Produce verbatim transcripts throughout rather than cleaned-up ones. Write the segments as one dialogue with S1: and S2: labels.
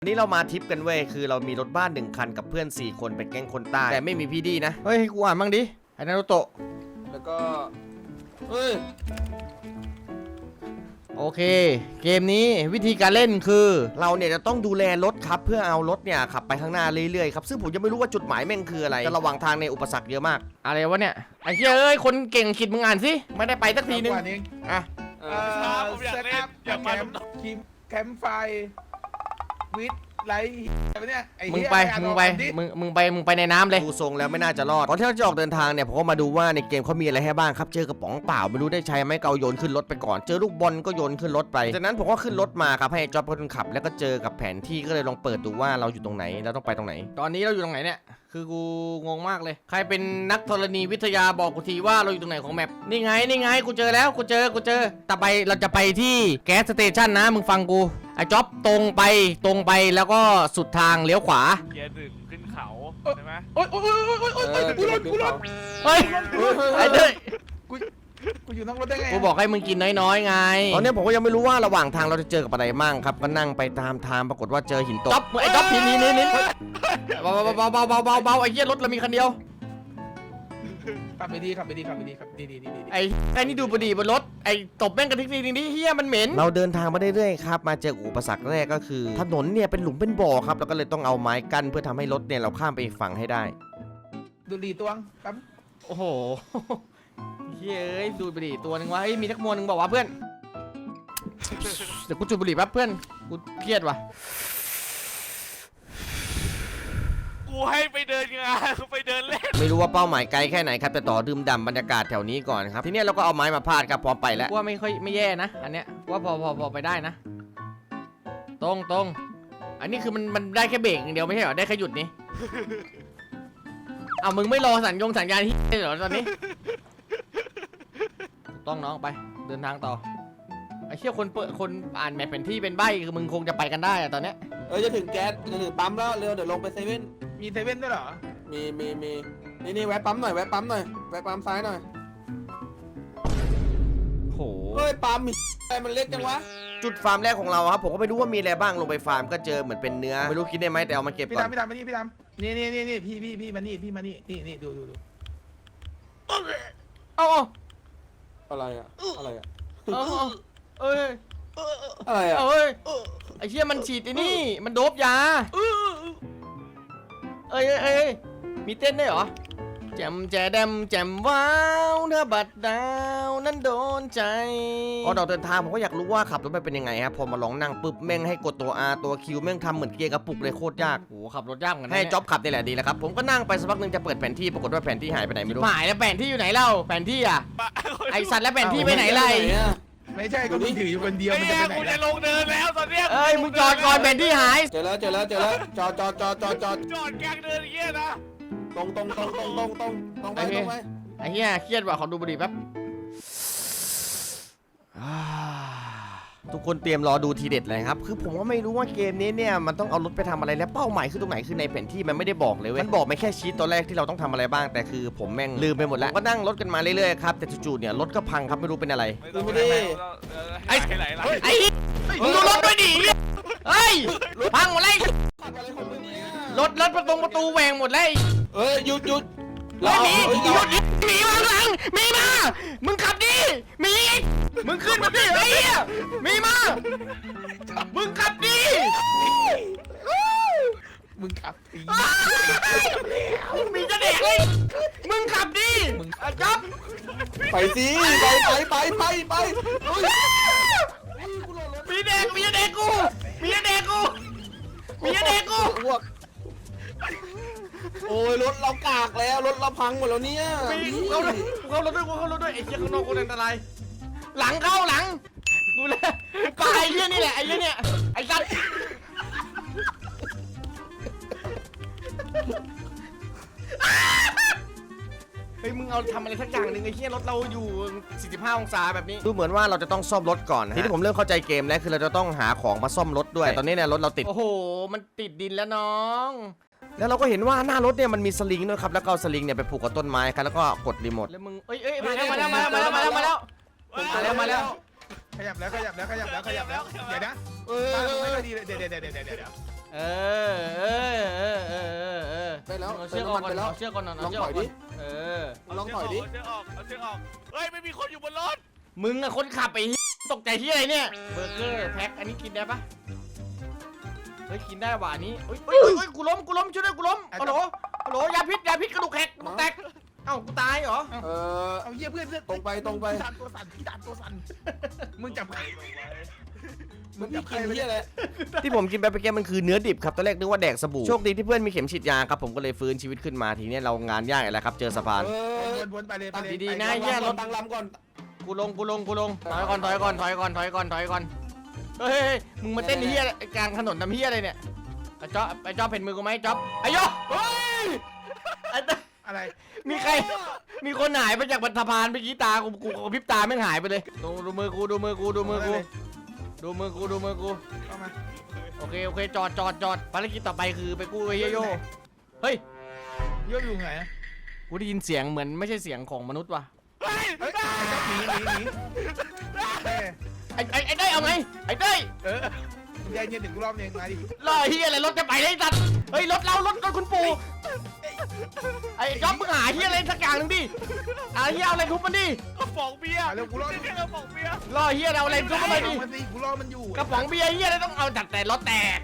S1: วันนี้เรามาทริปกันเว้ยคือเรามีรถบ้านหนึ่งคันกับเพื่อนสี่คนเป็นแก๊งคนใต้แต่ไม่มีพี่ดีนะเฮ้ยกูอ่านบ้างดิไอ้นารุโตะแล้วก็เฮ้ยโอเคเกมนี้วิธีการเล่นคือเราเนี่ยจะต้องดูแลรถครับเพื่อเอารถเนี่ยขับไปข้างหน้าเรื่อยๆครับซึ่งผมยังไม่รู้ว่าจุดหมายแม่งคืออะไรแต่ระหว่างทางในอุปสรรคเยอะมากอะไรวะเนี่ยไอ้เหี้ยเอ้ยคนเก่งขิดมึงอ่านสิไม่ได้ไปสักทีนึงอ่ะ
S2: เออเซตอัพแคมป์คิมแคมป์ไฟวิดไลท์อะไรเนี่ย
S1: มึงไปมึงไปมึงมึงไปมึงไปในน้ำเลยดูทรงแล้วไม่น่าจะรอดก่อนที่เราจะออกเดินทางเนี่ยผมก็มาดูว่าในเกมเขามีอะไรให้บ้างครับเจอกระป๋องเปล่าไม่รู้ได้ใช้ไหมเกาโยนขึ้นรถไปก่อนเจอลูกบอลก็โยนขึ้นรถไปจากนั้นผมก็ขึ้นรถมาครับให้จอบเป็นคนขับแล้วก็เจอกับแผนที่ก็เลยลองเปิดดูว่าเราอยู่ตรงไหนแล้วต้องไปตรงไหนตอนนี้เราอยู่ตรงไหนเนี่ยคือกูงงมากเลยใครเป็นนักธรณีวิทยาบอกกูทีว่าเราอยู่ตรงไหนของแมปนี่ไงนี่ไงกูเจอแล้วกูเจอกูเจอต่อไปเราจะไปที่แก๊สสเตชันนะมึงฟังกูไอ้จ๊อบตรงไปตรงไปแล้วก็สุดทางเลี้ยวขวา
S3: เกียร์หนึ่งขึ้นเขาใช่ไหม
S2: โอ๊ยโอ๊ยโอ๊ยโอ๊ยโอ๊ยกูรถกูรถ
S1: เฮ้ยไอ้เด้ย
S2: กูกูอยู่นั่งรถได้ไง
S1: กูบอกให้มึงกินน้อยๆไงตอนนี้ผมก็ยังไม่รู้ว่าระหว่างทางเราจะเจอกับอะไรมั่งครับก็นั่งไปตามทางปรากฏว่าเจอหินตกจ๊อบไอ้จ๊อบหินนี้นี่นี่เบาเบาเบาเบาเบาเบาไอ้เหี้ยรถเรามีคันเดียว
S2: ขับไปดีขับไปดีขับไปดีขับดีดีดีดี
S1: ไอ้ไอ้นี่ดูบดีบนรถไอ้ตบแม่งกระทิกทีนี้เฮียมันเหม็นเราเดินทางมาเรื่อยๆครับมาเจออุปสรรคแรกก็คือถนนเนี่ยเป็นหลุมเป็นบ่อครับแล้วก็เลยต้องเอาไม้กั้นเพื่อทำให้รถเนี่ยเราข้ามไปอีกฝั่งให้ได้
S2: ดูดีตัวงครับ
S1: โอ้โหเฮ้ยดูบดีตัวนึงวะเฮ้ยมีทักมวลนึงบอกว่าเพื่อนเดี๋ยวกูจุดบุหรี่แป๊บเพื่อนกูเครียดว่ะ
S3: กูให้ไปเดินงานไปเดินเล่น
S1: ไม่รู้ว่าเป้าหมายไกลแค่ไหนครับแต่ต่อดื่มด่ำบรรยากาศแถวนี้ก่อนครับทีนี้เราก็เอาไม้มาพาดครับพร้อมไปแล้วว่าไม่ค่อยไม่แย่นะอันเนี้ยว่าพอพอพอไปได้นะตรงตรงอันนี้คือมันมันได้แค่เบรกอย่างเดียวไม่ใช่เหรอได้แค่หยุดนี่เอามึงไม่รอสัญญงสัญญาณที่เหรอตอนนี้ต้องน้องไปเดินทางต่อไอ้เชี่ยคนเปิดคนอ่านแมพแผนที่เป็นใบคือมึงคงจะไปกันได้อะตอนเนี้ย
S4: เออจะถึงแก๊สจะถึงปั๊มแล้วเร็วเดี๋ยวลงไปเซเว่น
S2: มีเซเว่นด้วยเหรอ
S4: มีมีมีนี่นี่แวะปั๊มหน่อยแวะปั๊มหน่อยแวะปั๊มซ้ายหน่อย
S1: โห
S4: เฮ้ยปั๊มมีอะไรมันเล็กจังวะ
S1: จุดฟาร์มแรกของเราครับผมก็ไม่รู้ว่ามีอะไรบ้างลงไปฟาร์มก็เจอเหมือนเป็นเนื้อไม่รู้กินได้ไหมแต่เอามาเก็บก่อน
S2: พี่ดำพี่ดำมานี่พี่ดำนี่นี่นี่นี่พี่พี่พี่มานี่พี่มานี่นี่นี่ดูดูดู
S1: เอา
S4: อะไรอะอะไรอะ
S1: เอาเอ้ย
S4: อะไรอะ
S1: เอ้ยไอ้เชี่ยมันฉีดไอ้นี่มันโดบยาเอ้ยเอ้ยมีเต้นได้เหรอแจมแจดมแจมว้าวเธอบัดดาวนั้นโดนใจพอเราเดินทางผมก็อยากรู้ว่าขับรถไปเป็นยังไงครับพอมาลองนั่งปุ๊บแม่งให้กดตัว R ตัว Q แม่งทำเหมือนเกียร์กระปุกเลยโคตรยากโอ้ขับรถยากเหมือนกันให้จ็อบขับนี่แหละดีแล้วครับผมก็นั่งไปสักพักนึงจะเปิดแผนที่ปรากฏว่าแผนที่หายไปไหนไม่รู้หายแล้วแผนที่อยู่ไหนเล่าแผนที่อ่ะไอสัตว์แล้วแผนที่ไปไหนไร
S2: ไม่ใช่ก็มึงถืออยู่คนเดียวมันจะไปไหน
S3: กูจะลงเดินแล้วตอนเนี้ย
S1: เอ้ยมึงจอดก่อนแผนที่หาย
S4: เจอแล้วเจอแล้วเจอแล้วจอดจอดจอดจอดจอด
S3: จอดกลางเดินอย่างเงี้ยนะ
S4: ตรงตรงตรงตรงตรงตรงตรงไปตรงไป
S1: ไอ้เหี้ยเครียดว่ะขอดูบุหรี่แป๊บทุกคนเตรียมรอดูทีเด็ดเลยครับคือผมก็ไม่รู้ว่าเกมนี้เนี่ยมันต้องเอารถไปทำอะไรและเป้าหมายคือตรงไหนคือในแผนที่มันไม่ได้บอกเลยเว้ยมันบอกไม่แค่ชีตตัวแรกที่เราต้องทำอะไรบ้างแต่คือผมแม่งลืมไปหมดแล้วก็นั่งรถกันมาเรื่อยๆครับแต่จู่ๆเนี่ยรถก็พังครับไม่รู้เป็นอะไร
S4: ไม่ได้
S3: ไอ้
S1: ไอ้มึงดูรถด้วยดิเฮ้ยพังหมดเลยรถรถประตูประตูแหวงหมดเลย
S4: เอ้ยหยุดหยุด
S1: แล้วมีหยุดมีมาหลังมีมามึงขับดิมีมึงขึ้นมาดิไอ้เหี้ยมีมามึงขับดิ
S2: มึงขับดิ
S1: มีจะเด็กเลยมึงขับดิมึงจับ
S4: ไปสิไปไปไปไปไป
S1: มีเด็กมีเด็กกูมีเด็กกูมีเด็กกู
S4: โอ้ยรถเรากากแล้วรถเราพังหมดแล้วเนี่ย
S1: เขาเขารถด้วยเขารถด้วยไอ้เจ้าข้างนอกคนอันตรายหลังเข้าหลังกูเลยไปไอ้เหี้ยนี่แหละไอ้เหี้ยเนี่ยไอ้สัตว์เฮ้ยมึงเอาทำอะไรสักอย่างหนึ่งไอ้เหี้ยรถเราอยู่สี่สิบห้าองศาแบบนี้ดูเหมือนว่าเราจะต้องซ่อมรถก่อนนะทีนี้ผมเริ่มเข้าใจเกมแล้วคือเราจะต้องหาของมาซ่อมรถด้วยแต่ตอนนี้เนี่ยรถเราติดโอ้โหมันติดดินแล้วน้องแล้วเราก็เห็นว่าหน้ารถเนี่ยมันมีสลิงด้วยครับแล้วก็เอาสลิงเนี่ยไปผูกกับต้นไม้ครับแล้วก็กดรีโมทแล้วมึงเอ้ยเอ้ยมาแล้วมาแล้วมาแล้วมาแล้วมาแล้วมาแล้วมาแล้ว
S2: ขยับแล้วขยับแล้วขยับแล้วขยับแล้วเดี๋ยวนะเออไม่ค่อยดีเลยเดี๋ยวเดี๋ยวเดี๋ยวเดี๋ยว
S1: เออเออเออเออเออ
S4: ไปแล้ว
S1: เอา
S4: เติ
S1: เชือก
S4: ม
S1: ออ
S4: น้ำ
S1: ก
S4: มัน
S1: ก่อน
S4: ไปแล้ว
S1: เอาเชือกก่อน
S4: ล
S1: เอา
S4: อง
S1: เชือก
S4: ถ
S1: อ
S4: อ
S1: อย กก่
S4: ดิ
S1: อนเออ
S4: ลองถอยดิ
S3: เอาเชือกออกเอาเชือกออกเฮ้ยไม่มีคนอยู่บนรถ
S1: มึงอะคนขับไปตกใจที่อะไรเนี่ยเบอร์เกอร์แพ็คอันนี้กินได้ปะเฮ้ยกินได้ว่ะอันนี้เฮ้ยเฮ้ยเฮ้ยกูล้มกูล้มช่วยด้วยกูล้มฮัลโหลฮัลโหลยาพิษยาพิษกระดูกแหกกระดูกแตกเอ้ากูตายเหรอ
S4: เออ
S2: เอาเหี้ยเพื่อนเพื่อน
S4: ตรงไปตรงไป
S2: พี่ดานตัวสั่นพี่ดานตัวสั่นมึงจับใคร
S4: มึงพี่กินที่อะไร
S1: ที่ผมกินไปเมื่อกี้มันคือเนื้อดิบครับตอนแรกนึกว่าแดกสบู่โชคดีที่เพื่อนมีเข็มฉีดยาครับผมก็เลยฟื้นชีวิตขึ้นมาทีนี้เรางานยากแล้วครับเจอสะพาน
S4: เออ
S2: วนวนๆไปเลยไปเลย
S1: ดีๆ
S2: ไป
S1: นะ
S2: เลย
S1: เหี้ยรถ
S4: ตั้งลำก่อน
S1: กูลงกูลงกูลงถอยก่อนถอยก่อนถอยก่อนถอยก่อนถอยก่อนเฮ้ยเฮ้ยมึงมาเต้นเฮียกลางถนนทำเฮียอะไรเนี่ยไอ้จ๊อบไอ้จ๊อบเห็นมือกูไหมจ๊อบไอ้ยอเฮ้ยไอ้เต้ย
S2: อะไร
S1: มีใครมีคนหายไปจากบรรทัดพานเมื่อกี้ตากูกูกระพริบตาไม่งหายไปเลยดูดูมือกูดูมือกูดูมือกูดูมือกูดูมือกู
S2: เข้ามา
S1: โอเคโอเคจอดจอดจอดภารกิจต่อไปคือไปกู้ไอ้เฮียโยเฮ้ย
S2: โยกอยู่ไหนอะ
S1: กูได้ยินเสียงเหมือนไม่ใช่เสียงของมนุษย์ว่ะ
S3: เฮ้ย
S2: เฮ้ยหนีหนีหนีเอ้ย
S1: ไอ้ไอ้ไอ้ได้ยเอาไงไอ้ได้ย
S2: เออมึงยายเย็นถึงกูรอบนึงมาดิ
S1: รอเฮียอะไรรถจะไปได้สัตว์เฮ้ยรถเรารถรถคุณปู่ไอ้จ๊อบมึงหาเฮียอะไรสักอย่างหนึ่งดิเอาเฮียเอาอะไรทุบมันดิ
S3: กระป๋องเบียร์
S2: มาเร็วกูรอ
S3: ไม่ใช่กระป๋องเบียร์
S1: รอเฮียเอาอะไรทุบมันไปดิ
S2: มันสิกูรอมันอยู่
S1: กระป๋องเบียร์เฮียอะไรต้องเอาจัดแต่รถแตก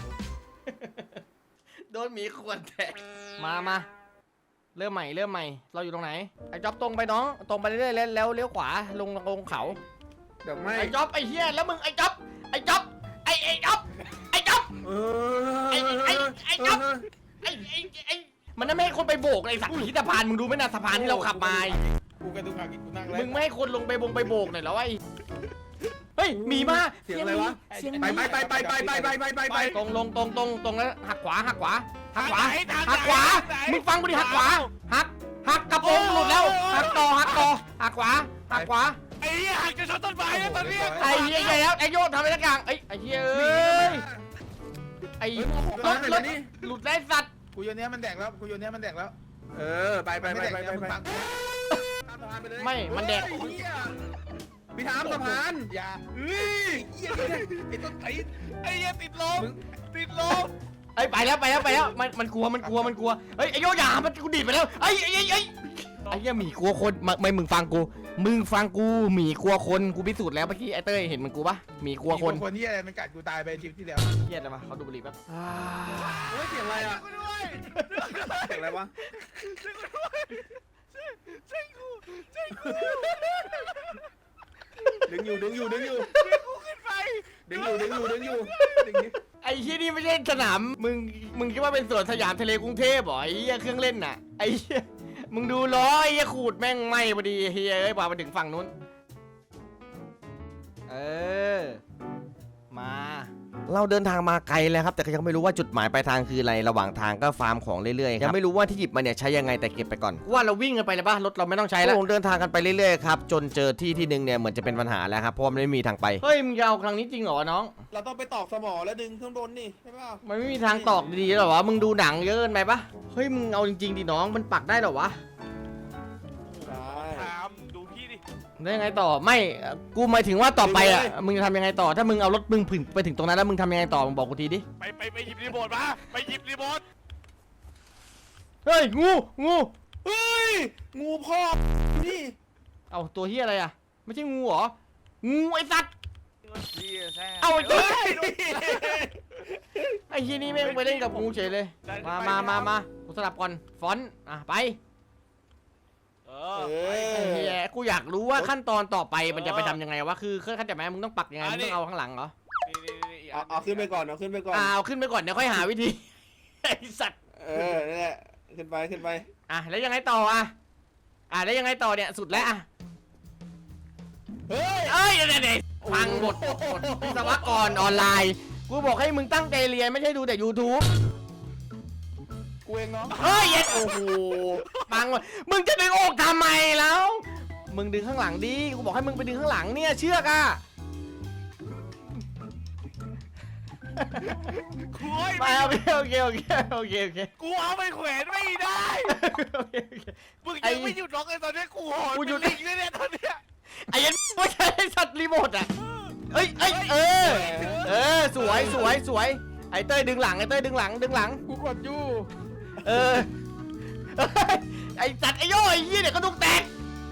S1: โดนหมีขวดแตกมามาเริ่มใหม่เริ่มใหม่เราอยู่ตรงไหนไอ้จ๊อบตรงไปน้องตรงไปเรื่อยๆแล้วแล้วเลี้ยวขวาลงลงเขา
S2: เดี๋ยวไม่
S1: ไอ้จ๊อบไอ้เฮียแล้วมึงไอ้จ๊อบไอ้จ๊อบไอ้ไอ้จ๊อบไอ้จ๊อบ
S2: เอ
S1: ไอ้ไอ้ไอ้จ๊อบ ไอ้ไอ้ไอ้มันนั่นไม่ให้คนไปโบกไอ้สักขีสะพานมึงดูไหมนะสะพานที่เราขับมา
S2: กูกระดูกหักอีกกูนั่งแล้ว
S1: มึงไม่ให้คนลงไปบงไปโบกหน่อยเหรอวะไอ้เฮ้ยหมีมา
S2: เสียงอะไรวะ
S1: เสียงห
S2: ไป
S1: มี
S2: ไปไปไปไปไปไปไปไปไป
S1: ตรงลงตรงตรงตรงแล้วหักขวาหักขวาหักขวา
S3: ทงไหน
S1: หักขวา
S3: ทงไหน
S1: มึงฟังกูดิหักขวาหักหักกระโปรงหลุดแล้วหักต่อหักต่อหักขวาหักขวา
S3: ไอ้เหี้ยหักจะชนต้นไม้แล้วตอนเนี้ย
S1: ไอ้เหี้ยใหญ่แล้วไอ้โยนทำอะไรสักอย่างไอ้ไอ้เหี้ยเอ้ยไอ้รถรถหลุดได้สัตว์
S2: กูโยนเนี้ยมันแดกแล้วกูโยนเนี้ยมันแดกแล้ว เออไปไปไปไปไปไปข้ามสะพานไปเลย
S1: ไม่มันแดก
S2: เฮ้ยเหี้ยพี่ถามสะพานอย่าเฮ้ยเหี้ยไอ้ต้นไอ้
S3: ไอ้เหี้ยติดลมติดลม
S1: ไอ้ไปแล้วไปแล้วไปแล้วมันมันกลัวมันกลัวมันกลัวเฮ้ยไอ้โยอย่ามันกูดีดไปแล้วไอ้ไอ้ไอ้ไอ้ไอ้เหี้ยหมีกลัวคนมาไม่มึงฟังกูมึงฟังกูหมีกลัวคนกูพิสูจน์แล้วเมื่อกี้ไอ้เต้ยเห็นมันกูปะหมีกลัวคน
S2: คนที่อะไรมันกัดกูตายไปทริปที่แล้ว
S1: เหี้ยอะไรมาเขาดูบุหรี่แป๊บ
S4: เฮ้ยเสียงอะไรอ่ะ
S3: กูด้วย
S4: เสียงอะไรวะ
S3: ใช่กูใช่กู
S4: ดึงอยู่ดึงอยู่ดึงอยู่
S3: ช่วยกูขึ้นไป
S4: ดึงอยู่ดึงอยู่ดึงอยู่ดึงนี้
S1: ไอ้เหี้ยนี่ไม่ใช่สนามมึงมึงคิดว่าเป็นสวนสยามทะเลกรุงเทพเหรอไอ้เหี้ยเครื่องเล่นน่ะไอ้เหี้ยมึงดูล้อไอ้เหี้ยขูดแม่งไหม้พอดีเฮียเอ้ยพาไปถึงฝั่งนู้นเออมาเราเดินทางมาไกลแล้วครับแต่ก็ยังไม่รู้ว่าจุดหมายปลายทางคืออะไรระหว่างทางก็ฟาร์มของเรื่อยๆยังไม่รู้ว่าที่หยิบมาเนี่ยใช้ยังไงแต่เก็บไปก่อนว่าเราวิ่งกันไปเลยป่ะรถเราไม่ต้องใช้แล้วเดินทางกันไปเรื่อยๆครับจนเจอที่ที่หนึ่งเนี่ยเหมือนจะเป็นปัญหาแล้วครับเพราะมันไม่มีทางไปเฮ้ยมึงจะเอาครั้งนี้จริงเหรอน้อง
S4: เราต้องไปตอกสมอแล้วดึงข้างบนนี่ใช่ป่ะ
S1: มันไม่มีทางตอกดีๆหรอวะมึงดูหนังเยอะเกินไปปะเฮ้ยมึงเอาจริงๆดิน้องมันปักได้เหรอวะ
S4: ใช่
S3: ถามดูพี่ดิ
S1: ได้ยังไงต่อไม่เอ่อกูหมายถึงว่าต่อไปอ่ะมึงจะทำยังไงต่อถ้ามึงเอารถมึงถึงไปถึงตรงนั้นแล้วมึงทำยังไงต่อมึงบอกกูทีดิ
S3: ไปไปไปหยิบรีโมทมาไปหยิบรีโมท
S1: เฮ้ยงูงู
S4: เฮ้ยงูพ่อนี่
S1: เอาตัวเฮียอะไรอ่ะไม่ใช่งูเหรองูไอ้สัตว์
S3: เหี้ยแซ่
S1: เอาไอ้ตัว
S3: เฮ้ย
S1: ไอ้เฮียนี่แม่งไปเล่นกับงูเฉยเลยมามามามากูสลับก่อนฟอนต์อ่ะไป
S3: เอ
S4: เอ
S3: อ
S1: ไอ้
S4: อ
S1: เฮียกูอยากรู้ว่าขั้นตอนต่อไปมันจะไปทำยังไงวะคือเข้าใจไหมมึงต้องปักยังไง
S3: อั
S1: มึ
S3: น
S1: ง
S3: นี้
S1: ต้องเอาข้างหลังเหรอ
S3: นี่นี่นี่
S4: เอาเอาขึ้นไปก่อนเอาขึ้นไปก่อน
S1: อ่าเอาขึ้นไปก่อนเดี๋ยวค่อยหาวิธีไอ้สัตว์
S4: เออนั่นแหละขึ้นไปขึ้นไป
S1: อ่ะแล้วยังไงต่ออ่ะอ่ะแล้วยังไงต่อเนี่ยสุดแล้วอ่ะ
S4: เฮ้ย
S1: เอ้ยเดี๋ยวๆฟังบทบทวิศวกรออนไลน์กูบอกให้มึงตั้งใจเรียนไม่ใช่ดูแต่ YouTube
S4: กูเองเนาะ
S1: เฮ้ยเย็ดโอ้โหฟังว่ะมึงจะดึงอกทำไมแล้ว มึงดึงข้างหลังดิกูบอกให้มึงไปดึงข้างหลังเนี่ยเชือกอ่ะ
S3: กูโอ้ย
S1: ไปโอเคโอเคโอเคโอเคโอเค
S3: กูเอาไปแขวนไม่ได้
S1: โอเคโอเค
S3: มึงยังไม่หยุดร้องเลยตอนนี้กูหอน
S1: กูหยุด
S3: เป็นลิงเลยเนี่ยตอนเนี้ย
S1: ไอ้ยันไม่ใช่สัตว์รีโมทอ่ะเอ้ยเอ้ยเออเออสวยสวยสวยไอ้เต้ยดึงหลังไอ้เต้ยดึงหลังดึงหลัง
S2: กูกดอยู่
S1: เออ ไอ้จัดไอ้โย่ไอ้ยี่เนี่ยก็ดุกแตก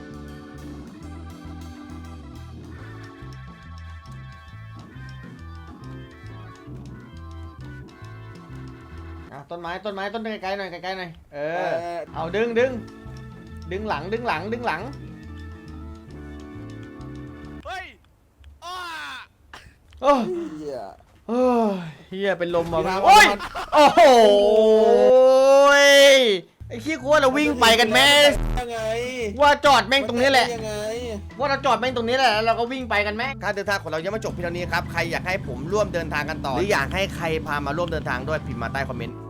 S1: อ่ะต้นไม้ต้นไม้ต้นไกลๆหน่อยไกลๆหน่อยเออเอาดึงดึงดึงหลังดึงหลังดึงหลัง
S3: เฮ้ยอ้า
S1: โอ้
S4: เหี้ย
S1: โอ้ยเฮียเป็นลมมา
S4: พี่ทำ
S1: โอ้ย
S4: มัน
S1: โอ้โหไอ้ขี้กลัวเราวิ่งไปกันแม่
S4: ยังไง
S1: ว่าจอดแม่งตรงนี้แหละ
S4: ยังไง
S1: ว่าเราจอดแม่งตรงนี้แหละแล้วเราก็วิ่งไปกันแม่การเดินทางของเรายังไม่จบเพียงเท่านี้ครับใครอยากให้ผมร่วมเดินทางกันต่อหรืออยากให้ใครพามาร่วมเดินทางด้วยพิมพ์มาใต้คอมเมนต์